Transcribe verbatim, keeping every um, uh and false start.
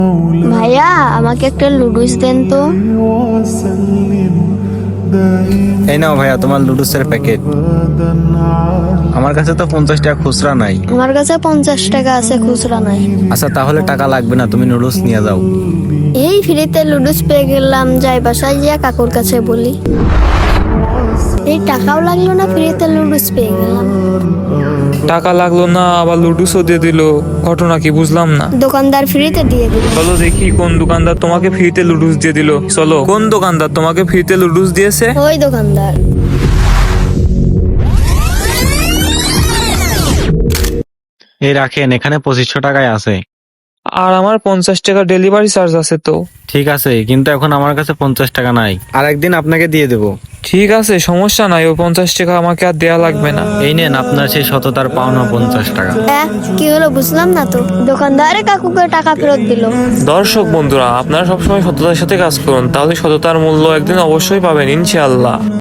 ভাইয়া আমাকে একটা লুডুস দেন তো। এই নাও ভাইয়া তোমার লুডুসের প্যাকেট। আমার কাছে তো পঞ্চাশ টাকা খুচরা নাই। আমার কাছে পঞ্চাশ টাকা আছে, খুচরা নাই। আচ্ছা তাহলে টাকা লাগবে না, তুমি নুডলস নিয়ে যাও। এই ফ্রিতে লুডুস পেয়ে গেলাম, যাই বাসায় গিয়া কাকুর কাছে বলি। এই টাকাও লাগলো না, ফ্রিতে লুডুস পেয়ে গেলাম। টাকা লাগলো না, আবার লুডুসও দিয়ে দিল, ঘটনা কি বুঝলাম না। দোকানদার ফ্রিতে দিয়ে দিল। চলো দেখি কোন দোকানদার তোমাকে ফ্রিতে লুডুস দিয়ে দিল। চলো, কোন দোকানদার তোমাকে ফ্রিতে লুডুস দিয়েছে? ওই দোকানদার। এই রাখেন, এখানে পঁচিশশো টাকায় আছে। আর আমার পঞ্চাশ টাকা ডেলিভারি চার্জ আছে তো। ঠিক আছে, কিন্তু এখন আমার কাছে পঞ্চাশ টাকা নাই, আর একদিন আপনাকে দিয়ে দেবো। ঠিক আছে, সমস্যা নাই, ও পঞ্চাশ টাকা আমাকে আর দেয়া লাগবে না। এই নেন আপনার সেই সততার পাওনা পঞ্চাশ টাকা। হ্যাঁ, কি হলো বুঝলাম না তো। দোকানদারে কাকুকে টাকা ফেরত দিল। দর্শক বন্ধুরা, আপনারা সবসময় সততার সাথে কাজ করুন, তাহলে সততার মূল্য একদিন অবশ্যই পাবেন ইনশাআল্লাহ।